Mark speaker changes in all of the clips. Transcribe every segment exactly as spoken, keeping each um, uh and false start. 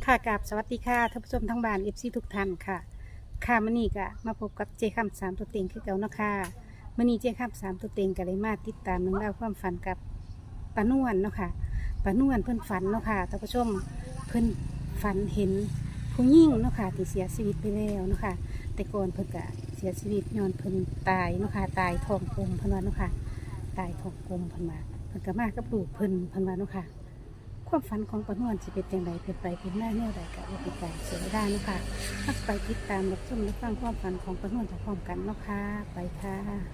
Speaker 1: ค่ะกับสวัสดีค่ะท่านผู้ชมทั้งบ้านเอฟซีทุกท่านค่ะค่ะมื่อนี้ก็มาพบกับเจคำสามตัวเต็งคือเก่าเนาะค่ะมื่อนี้เจคำสามตัวเต็งก็เลยมาติดตามเรื่องราวความฝันกับป้านวลเนาะค่ะป้านวลเพิ่นฝันเนาะค่ะท่านผู้ชมเพิ่นฝันเห็นผู้หญิงเนาะค่ะที่เสียชีวิตไปแล้วเนาะค่ะแต่ก่อนเพิ่นก็เสียชีวิตย้อนเพิ่นตายเนาะค่ะตายท้องกลมเพิ่นว่าเนาะค่ะตายท้องกลมเพิ่นมาเพิ่นก็มากับลูกเพิ่นเพิ่นว่าเนาะค่ะความฝันของป้านวลสิเป็นจังไดเป็นไปเป็นหน้าแนวใดก็บ่เป็นการเสียเวลาเนาะค่ะถ้าไปติดตามรับชมรับฟังความฝันของป้านวลพร้อมกันเนาะค่ะไปค่ะ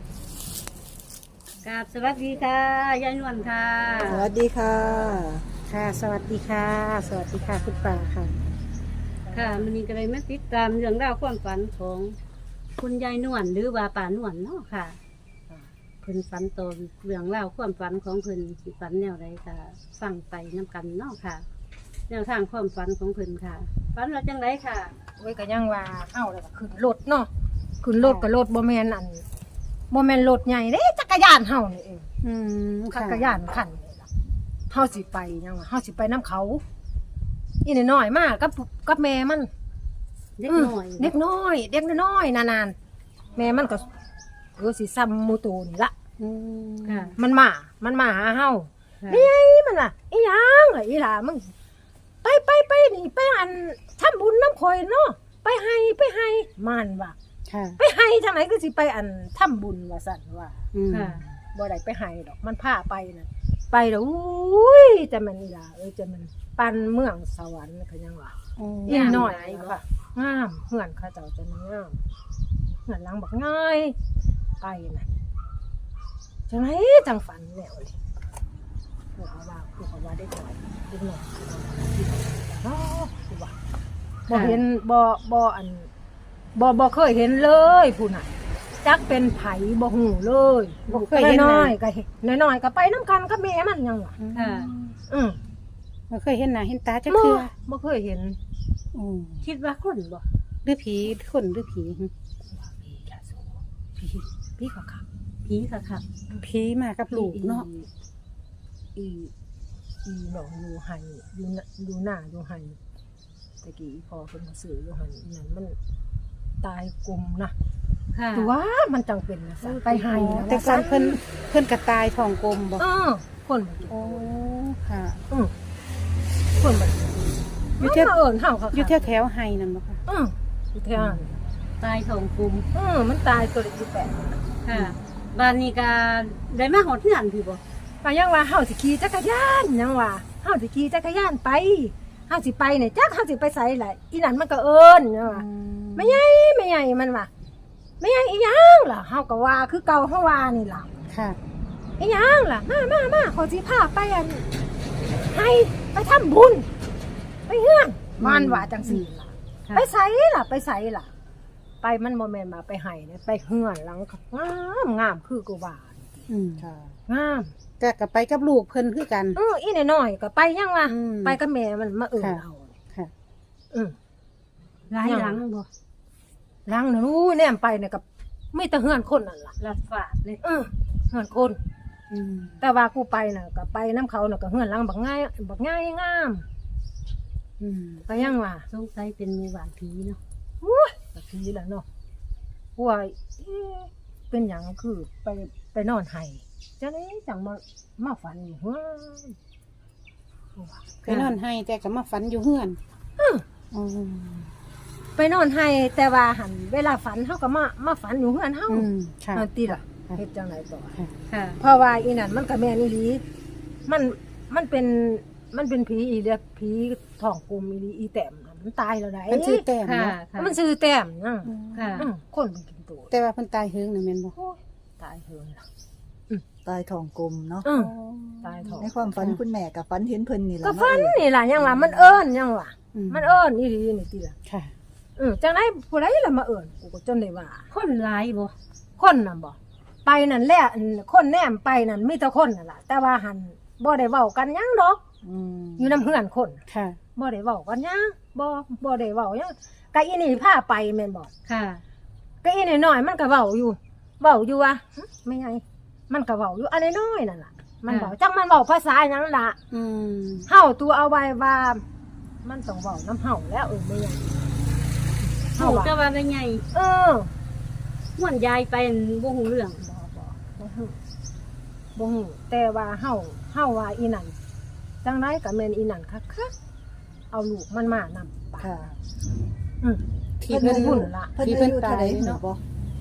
Speaker 2: กราบสวัสดีค่ะยายนวลค่ะ
Speaker 3: สวัสดีค่ะ
Speaker 1: ค่ะ สวัสดีค่ะ สวัสดีค่ะคุณป่าค่ะ
Speaker 2: ค่ะมันนี้ก็เลยมาติดตามเรื่องราวความฝันของคุณยายนวลหรือว่าป่านวลเนาะค่ะเพิ่นฝันตนเรื่องราวความฝันของเพิ่นสิฝันแนวใดค่ะฟังไปน้กันเนาะค่ะ แนวทางความฝันของเพิ่นค่ะฝันว่าจังไดค่ะ
Speaker 4: โอ้ยก็ยังว่าเอ้าแล้วก็ขึ้นรถเนาะขึ้นรถก็รถบ่แม่นอันบ่แม่นรถใหญ่เด้จักรยานเฮานี่เอง
Speaker 1: อืม
Speaker 4: จั
Speaker 1: ค่ะ
Speaker 4: กรยานคันนี่ล่ะเฮาสิไปยังว่าเฮาสิไปน้ำเขาอีน้อยๆมากับกับแม่มัน
Speaker 2: เด็กน้อย
Speaker 4: เด็กน้อย เด็กน้อยๆนานๆแม่มันก็เออสิซ้ำหมู่ตูนี่ละ
Speaker 1: อืม
Speaker 2: ค่ะ
Speaker 4: มันมา มันมาหาเฮา
Speaker 2: ค่ะ
Speaker 4: นี่ไงมันล่ะอีหยังล่ะอีหล่ามึงไปไปไปนี่ไปอันทำบุญน้ำข่อยเนาะไปให้ไปให้มันว่า
Speaker 1: ค่ะ
Speaker 4: ไปให้ทางไหนก็สิไปอันทำบุญว่าสั่นว่า
Speaker 1: อืม
Speaker 2: ค่ะ
Speaker 4: บ่ได้ไปให้ดอกมันพาไปน่ะไปแล้วอุ้ยแต่มันนี่ล่ะเออจะมันปันเมืองสวรรค์ก็ยังว่า
Speaker 1: โอ้
Speaker 4: อีหน่อยค่ะงามเฮือนเขาเจ้าจะงามเฮือนหลังบักง่ายไปน่ะจังไหนจังฝันแล้วเลยพวกเขาว่าพวกเขาว่าได้ถอยอีกหน่อยเนาะคือว่าบ่เห็นบ่บ่อันบ่บ่เคยเห็นเลยผู้น่ะจักเป็นไผบ่ฮู้เลยบ่เคยเห็นน้อยๆก็เห็นน้อยๆก็ไปนํกันกับแม่มันยังว่า
Speaker 2: ค่ะ
Speaker 4: อือ
Speaker 1: บ่เคยเห็นหน้าเห็นตาจัก
Speaker 4: บ่
Speaker 1: เทื่อ
Speaker 4: บ่เคยเห็น
Speaker 1: อืม
Speaker 2: คิดว่าคนบ่
Speaker 1: หรือผีคนหรือผี
Speaker 4: ว่าผีละสูผีผีก็คัก
Speaker 2: ผีค่ะค่ะ
Speaker 1: ผีมากับลูกเนาะ
Speaker 4: อีอีหนองอยู่ไห้อยู่น่ะอยู่หน้าอยู่ไห้ตะกี้พอเพิ่นมาซื้ออยู่ไห้นั่นมันตายกลุ่มนะ
Speaker 2: ค่ะ
Speaker 4: ตัวมันจังเป็นนะซะไปไห้นะ
Speaker 1: แต่ก่อนเพิ่นเพิ่นกระตายท้องกลมบ่
Speaker 4: เออคนบ่กิน
Speaker 1: โอ้ค่ะ
Speaker 4: อือคนบ่กิน
Speaker 1: อยู่
Speaker 4: มัน
Speaker 1: เที่ยว
Speaker 4: มาเอิ้นเฮาค่ะ
Speaker 1: อยู่แถวแถวๆไห้นั่นบ่ค่ะ
Speaker 4: อืออยู่แถวนั้น
Speaker 2: ตายทองกลุ่ม
Speaker 4: อือมันตายตัวเล็กอยู่แปด
Speaker 2: ค่ะบ้านนี้ก็ได้มาหอดเฮือนพี่บ่
Speaker 4: ก็ยังว่าเฮาสิขี่จักรยานยังว่าเฮาสิขี่จักรยานไปเฮาสิไปเนี่ยจักเฮาสิไปไสล่ะอีนั่นมันก็เอิ้นยังว่า ไม่ใหญ่ไม่ใหญ่มันว่าไม่ใหญ่อีหยังล่ะเฮาก็ว่าคือเก่าเฮาว่านี่ล่ะ
Speaker 1: ค่ะ
Speaker 4: อีหยังล่ะมามามาขอสิพาไปอันให้ไปทำบุญไปเฮือนมันว่าจังซี่ล่ะ
Speaker 2: ค่ะ
Speaker 4: ไปไสล่ะไปไสล่ะ ไปมันบ่แม่นมาไปให้นะไปเฮือนหลังงามงามคือกูว่า
Speaker 1: อืม
Speaker 3: ค่ะ
Speaker 4: งาม
Speaker 1: ก็ก็ไปกับลูกเพิ่นคือกัน
Speaker 4: เอออีน้อยๆก็ไปยังว่า
Speaker 1: อืม
Speaker 4: ไปกับแม่มันมาเอิ้น
Speaker 1: ค่ะ
Speaker 4: เอา
Speaker 1: ค่ะ
Speaker 4: อือ
Speaker 2: หลายหลังบ่
Speaker 4: หลังนั้นอู้แนมไปเนี่ยก็มีแต่เฮือนคนนั่นล่ะ
Speaker 2: ลัดฝาดเลย
Speaker 4: เออเฮือนคน
Speaker 1: อืม
Speaker 4: แต่ว่ากูไปน่ะก็ไปน้ำเขาน่ะก็เฮือนหลังบักง่ายบักง่ายงาม
Speaker 1: อืม
Speaker 4: ก็ยังว่า
Speaker 2: สงสัยเป็นหมู่บ้านผีเนาะ
Speaker 4: โอ้ยก็ผีแหล้วเนาะว่าเอ๊ะเป็นหยังคือไปไปนอนไห้จังได๋จังมามาฝันอยู่เฮ้ยว่า
Speaker 1: ไปนอนให้แต่ก็มาฝันอยู่เฮือน
Speaker 4: อื้อ
Speaker 1: อืม
Speaker 4: ไปนอนไห้แต่ว่าหันเวลาฝันเฮาก็มามาฝันอยู่เฮือนเฮา
Speaker 1: อืมค่ะ
Speaker 4: อันติล่ะ
Speaker 1: ค่ะ
Speaker 4: เฮ็ดจังไดต่อ
Speaker 1: ค่ะ
Speaker 2: ค่ะ
Speaker 4: เพราะว่าอีนั่นมันก็แม่นอีหลีมันมันเป็นมันเป็นผีอีเลียผีท้องกลมอีหลีอีแต้มน่ะมันตายแล้วได้
Speaker 1: มันชื่อแต้ม
Speaker 2: ค่ะ
Speaker 1: เนาะ
Speaker 2: ค่ะ
Speaker 4: มันซื้อแต้มนะ
Speaker 1: อืม
Speaker 2: ค่ะ
Speaker 4: อืมคนมันกินตัว
Speaker 1: แต่ว่าเพิ่นตายเฮิงน่ะแม่นบ่
Speaker 4: โอ้ยตายเหินล่ะ
Speaker 3: ตายทองกลมเนาะ
Speaker 4: อืมตายท้อง
Speaker 3: ในความฝันคุณแม่กับฝันเห็นเพิ่นนี่แหละ
Speaker 4: ก็ฟัน
Speaker 3: เาะ
Speaker 4: นี่ล่ะยังว่ามันเอิ้นยังว่า
Speaker 1: อื
Speaker 4: มันเอิ้นอีหลีนี่ติล่ะ
Speaker 1: ค่ะ
Speaker 4: อืมจังได๋ผู้ใดล่ะมาเอิ้นกูก็จนได้ว่า
Speaker 2: คนหลายบ่
Speaker 4: คนน่ะบ่ไปนั่นแหละอันคนแนมไปนั่นมีแต่คนนั่นล่ะแต่ว่าหันบ่ได้เว้ากันหยังดอก
Speaker 1: อืม
Speaker 4: อยู่นำเฮือนคน
Speaker 1: ค่ะ
Speaker 4: บ่ได้เว้ากันหยังบ่บ่ได้เว้าหยังก็อีนี่พาไปแม่นบ่
Speaker 2: ค่ะ
Speaker 4: ก็อีน้อยๆมันก็เว้าอยู่เว้าอยู่ว่าหึไม่ไงมันก็เว้าอยู่อันน้อยๆนั่นล่ะมันเว้าจังมันเว้าภาษาหยังล่ะ
Speaker 1: อืม
Speaker 4: เฮาตัวเอาไว้ว่ามันต้องเว้าน้ำเห่าแล้วเออไม่ยัง
Speaker 2: เฮาจะว่าเป็นไง
Speaker 4: เออ
Speaker 2: ม่วนยายไปบ่ฮู้เรื่อง
Speaker 4: บ่บ่บ่ฮู้บ่ฮู้แต่ว่าเฮาเฮาว่าอีนั่นจังไดก็แม่นอีนั่นคักๆเอาลูกมันมานำ
Speaker 3: ค่ะ
Speaker 4: อืม
Speaker 1: ที่เพิ่น
Speaker 4: พุ่นละ
Speaker 3: เพิ่น
Speaker 1: ที่
Speaker 3: อา
Speaker 1: เพิ่น
Speaker 3: ยุเท่า
Speaker 1: ตาย
Speaker 3: ใดหู
Speaker 1: เนาะ
Speaker 3: บ่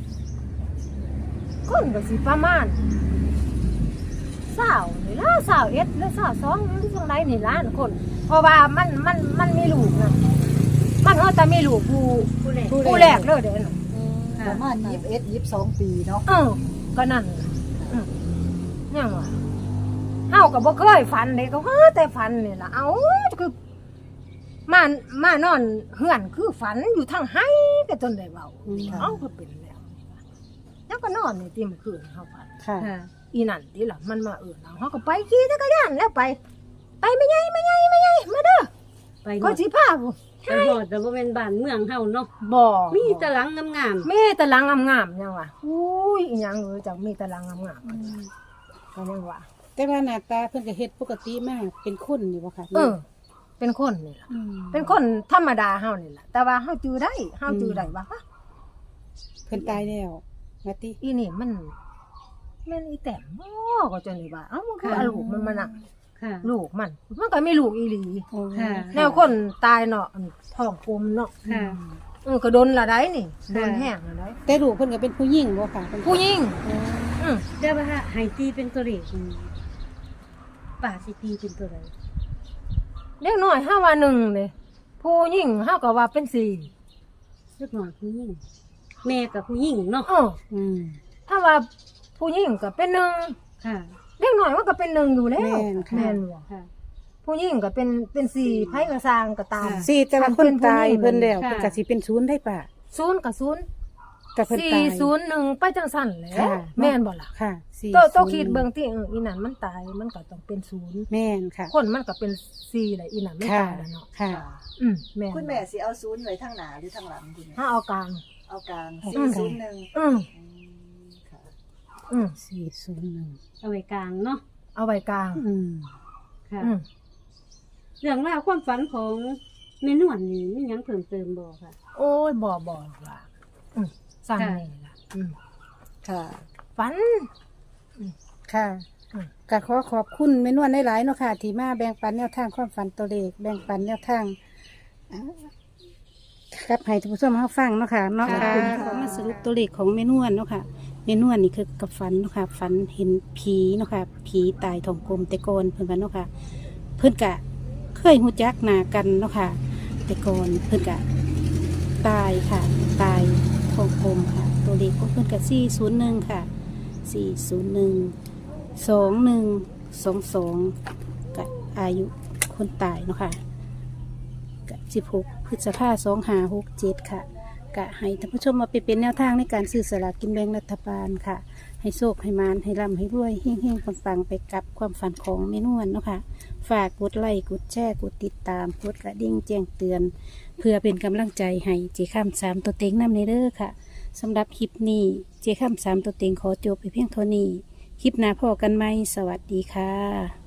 Speaker 4: คนก็สิประมาณสาวนี่ล่ะสาวเอ็ดหรือสาวสองหรือจังไดนี่ล้านคน เพราะว่ามันมันมันมีลูกนะมันเฮาแต่มีลูกผู้
Speaker 2: ผู้แรก
Speaker 4: ผู้แรกเลยเด้อน่ะ
Speaker 3: ป
Speaker 2: ค่ะ
Speaker 3: ระมาณยี่สิบเอ็ด ยี่สิบสองปีเนาะ
Speaker 4: เออก็นั่นล่ะอืมยังว่าเฮาก็บ่เคยฝันเด้ก็ฮาแต่ฝันนี่ล่ะเอ้าคือมามานอนเฮือนคือฝันอยู่ทางไห้ก็จนได้เว้า
Speaker 1: อืม
Speaker 4: เอ้าก็เป็นแล้วแล้วก็นอนนี่ติมื้อคืนเฮาฝัน
Speaker 1: ค่ะ
Speaker 2: ค่ะ
Speaker 4: อีนั่นติล่ะมันมาเอิ้นเอาเฮาก็ไปขี่จักรยานแล้วไป ไปไม่ใหญ่ไม่ใหญ่ไม่ใหญ่มาเด้อ
Speaker 2: ไป
Speaker 4: ก็
Speaker 2: เนาะ
Speaker 4: สิพาบ่
Speaker 2: ไปฮอดแต่บ่แม่นบ้านเมืองเฮาเนาะ
Speaker 4: บ่
Speaker 2: มีแต่หลังงาม
Speaker 4: มีแต่หลังงามๆยังว่าอุ้ยอีหยังเอ้ยจังมีแต่หลังงามๆก็ยังว่า
Speaker 1: แต่ว่าหน้าตาเพิ่นก็เฮ็ดปกติมากเป็นคนนี่บ่ค่ะ
Speaker 4: เออ เป็นคนนี่ล่ะ
Speaker 1: ม
Speaker 4: เป็นคนธรรมดาเฮานี่ล่ะแต่ว่าเฮาจื้อได้เฮาจื้อได้ว่าฮะ
Speaker 1: เพิ่นตายแล้วมาติ
Speaker 4: อีนี่มันแม่นอีแต้มบ่ก็จังนี่ว่าเอ้ามันคือเอาลูกมันมานั่ง
Speaker 2: ๆค่ะ
Speaker 4: ลูกมัน มันก็มีลูกอีหลี
Speaker 1: โอ้
Speaker 2: ค่ะ
Speaker 4: แนวคนตายเนาะอันท้องกลมเนาะ
Speaker 2: ค่ะ
Speaker 4: เออก็โดนละได้นี่โดนแห้งละได้
Speaker 1: แต่ลูกเพิ่นก็เป็นผู้หญิงบ่ค่ะเพิ่น
Speaker 4: ผู้หญิง
Speaker 1: โอ้
Speaker 4: อืม
Speaker 2: แต่ว่าให้ตีเป็นตัวเลขนี่ป้าสิตีเป็นตัวใด
Speaker 4: เล็กน้อยห้าว่าหนึ่งเลยผู้หญิงห้าก็ว่าเป็นสี่
Speaker 2: เล็กน้อยผู้หญิงแม่กับผู้หญิงเนาะ
Speaker 4: เออ
Speaker 1: อืม
Speaker 4: ถ้าว่าผู้หญิงก็เป็นหนึ่ง
Speaker 2: ค่ะ
Speaker 4: เล็กน้อยมันก็เป็นหนึ่งอยู่แล้ว
Speaker 1: แม่นค่ะ
Speaker 4: แม่นบ่
Speaker 2: ค่ะ
Speaker 4: ผู้หญิงก็เป็นเป็นสี่ไผก็สร้างก็ตาม
Speaker 2: ค่ะ
Speaker 1: สิแต่ว่าเพิ่นตายเพิ่นแล้ว
Speaker 2: ค่ะ
Speaker 1: เพิ่นก็สิเป็นศูนย์ได้ป่ะ
Speaker 4: ศูนย์กับศูนย์
Speaker 1: แต่เพิ่น
Speaker 4: สี่
Speaker 1: ตาย
Speaker 4: ศูนย์หนึ่งไปจังสั่นแหละ
Speaker 1: ค่ะ
Speaker 4: แม่นบ่ล่ะ
Speaker 1: ค่ะสี่
Speaker 4: โตโต
Speaker 1: ศูนย์
Speaker 4: คิดเบิ่งที่เอออีนั่นมันตายมันก็ต้องเป็นศูนย์
Speaker 1: แม่นค่ะ
Speaker 4: คนมันก็เป็นสี่แหละอีนั่นไม่
Speaker 1: ค่ะ
Speaker 4: ตายแล้วเนาะ
Speaker 1: ค่ะ
Speaker 4: อืมแม่น
Speaker 3: คุณแม่สิเอาศูนย์ไว้ทางหน้าหรือทางหลังคุณแม่
Speaker 4: ถ้าเอากลาง
Speaker 3: เอากลาง
Speaker 1: เอา
Speaker 3: สี่
Speaker 1: กลาง
Speaker 3: ศูนย์หนึ่ง
Speaker 4: อืม
Speaker 3: อืมค่ะ
Speaker 4: อืม
Speaker 1: สี่ศูนย์หนึ่ง
Speaker 2: เอาไว้กลางเนาะ
Speaker 4: เอาไว้กลาง
Speaker 1: อืม
Speaker 2: ค่ะ
Speaker 4: อืม
Speaker 2: เรื่องราวความฝันของแม่นวลนี่มีหยังเพิ่มเติมบ่ค่ะ
Speaker 4: โอ้ยบ่บ่ว่าอืมสั่งนี่ล่ะอืม
Speaker 3: ค่ะ
Speaker 4: ฝัน
Speaker 1: ค่ะ
Speaker 4: อืม
Speaker 1: ก็ขอขอบคุณแม่นวลหลายๆเนาะค่ะ ที่มาแบ่งปันแนวทางความฝันตัวเลขแบ่งปันแนวทางอ่าครับให้ท่านผู้ชมเขาฟังเนาะค่ะเนาะ
Speaker 2: ค่ะ
Speaker 1: ขอมาสรุปตัวเลขของแม่นวลเนาะค่ะแม่นวลนี่คือกับฝันเนาะค่ะฝันเห็นผีเนาะค่ะผีตายทองกลมแต่ก่อนเพิ่นกันเนาะค่ะ เพิ่นกะเคยหูจักหน้ากันเนาะค่ะ แต่ก่อนเพิ่นกะตายค่ะ ตายทองกลมค่ะ ตัวเลขของเพิ่นกะสี่ศูนย์หนึ่งค่ะสี่ศูนย์หนึ่งสองหนึ่งสองสองกะอายุคนตายเนาะค่ะกะสิบหกพฤษภาสองห้าหกเจ็ดค่ะกะให้ท่านผู้ชมมาไปเป็นแนวทางในการซื้อสลากกินแบ่งรัฐบาลค่ะ ให้โชคให้มานให้ร่ำให้รวยเฮงๆปังๆไปกับความฝันของเมนวนเนาะค่ะ ฝากกดไลค์กดแชร์กดติดตามกดกระดิ่งแจ้งเตือน เพื่อเป็นกำลังใจให้เจข้ามสามตัวเต็งนำในเด้อค่ะสำหรับคลิปนี้เจข้ามสามตัวเต็งขอจบไปเพียงเท่านี้ คลิปหน้าพอกันไหมสวัสดีค่ะ